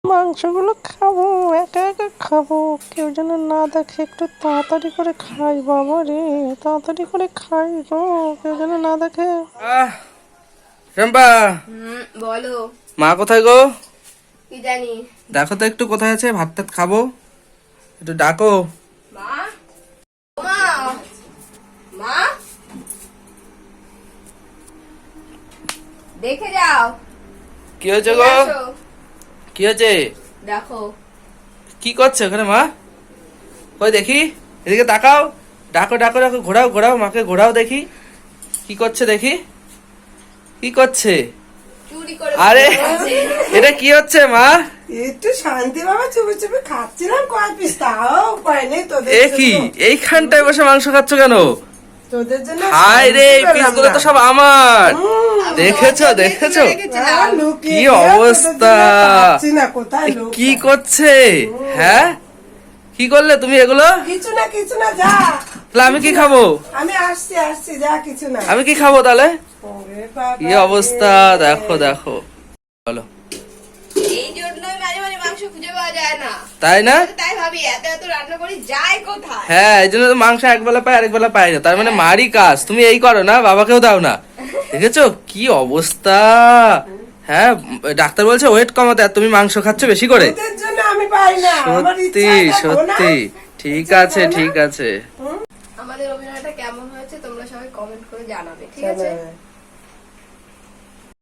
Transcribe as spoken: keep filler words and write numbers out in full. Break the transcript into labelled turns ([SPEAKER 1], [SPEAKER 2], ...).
[SPEAKER 1] মাংসগুলো খাবো, একা একা খাবো, কেউ যেন না দেখে। একটু তাড়াতাড়ি করে খাই বাবা রে, তাড়াতাড়ি করে খাই গো, কেউ যেন না দেখে।
[SPEAKER 2] আহ শম্পা,
[SPEAKER 3] হুম বলো।
[SPEAKER 2] মা কোথায় গো?
[SPEAKER 3] কি জানি।
[SPEAKER 2] দেখো তো একটু কোথায় আছে, ভাত টাত খাবো, একটু ডাকো।
[SPEAKER 3] মা মা মা দেখে যাও।
[SPEAKER 2] কি হয়েছে গো?
[SPEAKER 3] আসো,
[SPEAKER 2] কি হয়েছে?
[SPEAKER 3] দেখো।
[SPEAKER 2] কি করছে ওখানে মা? কই দেখি, এদিকে তাকাও, ডাকো ডাকো ডাকো, ঘোরাও ঘোরাও, মাকে ঘোরাও দেখি কি করছে, দেখি কি করছে।
[SPEAKER 3] চুরি করে
[SPEAKER 2] আরে
[SPEAKER 3] বসে।
[SPEAKER 2] এটা কি হচ্ছে মা?
[SPEAKER 4] একটু শান্তি বাবা, চুপে চুপে খাচ্ছিলাম কয় পিস, তাও উপায় নেই তোদের
[SPEAKER 2] এ কি
[SPEAKER 4] জন্য।
[SPEAKER 2] এইখানটায় বসে মাংস খাচ্ছ কেন?
[SPEAKER 4] তোদের জন্য
[SPEAKER 2] হায় রে, এই
[SPEAKER 4] শান্তি পেলাম
[SPEAKER 2] পিসগুলো তো
[SPEAKER 4] না।
[SPEAKER 2] সব আমার।
[SPEAKER 4] হুম,
[SPEAKER 2] দেখেছো
[SPEAKER 3] দরজা দিয়ে
[SPEAKER 2] দেখেছো
[SPEAKER 3] তুলে রেখেছিলাম।
[SPEAKER 4] হ্যাঁ, লুকিয়ে
[SPEAKER 2] কি
[SPEAKER 4] দিয়ে তোদের
[SPEAKER 2] অবস্থা।
[SPEAKER 4] জন্য পাচ্ছি না, কোথায়
[SPEAKER 2] এ
[SPEAKER 4] লোক
[SPEAKER 2] কি
[SPEAKER 4] আছে?
[SPEAKER 2] করছে? হ্যাঁ কি করলে তুমি এগুলো?
[SPEAKER 4] কিছু না কিছু না, যা।
[SPEAKER 2] তাহলে আমি কি খাবো?
[SPEAKER 4] আমি আসছি আসছি, যা, কিছু না।
[SPEAKER 2] আমি কি খাবো তাহলে?
[SPEAKER 4] ওরে বাবা
[SPEAKER 2] কি অবস্থা
[SPEAKER 4] রে।
[SPEAKER 2] দেখো দেখো, বলো।
[SPEAKER 3] এই জন্যই মাঝে মাঝে মাংস খুঁজে পাওয়া যায় না।
[SPEAKER 2] তাই না?
[SPEAKER 3] তাই ভাবি এত এত রান্না করি যায় কোথায়।
[SPEAKER 2] হ্যাঁ, এই জন্য তো মাংস একবেলা পাই আরেক বেলা পাই না। তার মানে মারি কাজ তুমি এই করো না, বাবাকেও দাও না। দেখেছো কি অবস্থা? হ্যাঁ, ডাক্তার বলছে ওয়েট কমাতে, আর তুমি মাংস খাচ্ছ বেশি করে।
[SPEAKER 4] তোদের জন্য আমি পাই না, আমার
[SPEAKER 2] সত্যি
[SPEAKER 4] ইচ্ছা দেখো না।
[SPEAKER 2] সত্যি, ঠিক
[SPEAKER 4] ইচ্ছা
[SPEAKER 2] আছে
[SPEAKER 4] দেখো না।
[SPEAKER 2] ঠিক আছে।
[SPEAKER 3] আমাদের অভিনয়টা কেমন হয়েছে তোমরা সবাই কমেন্ট করে জানাবে, ঠিক
[SPEAKER 4] চলো।
[SPEAKER 3] আছে?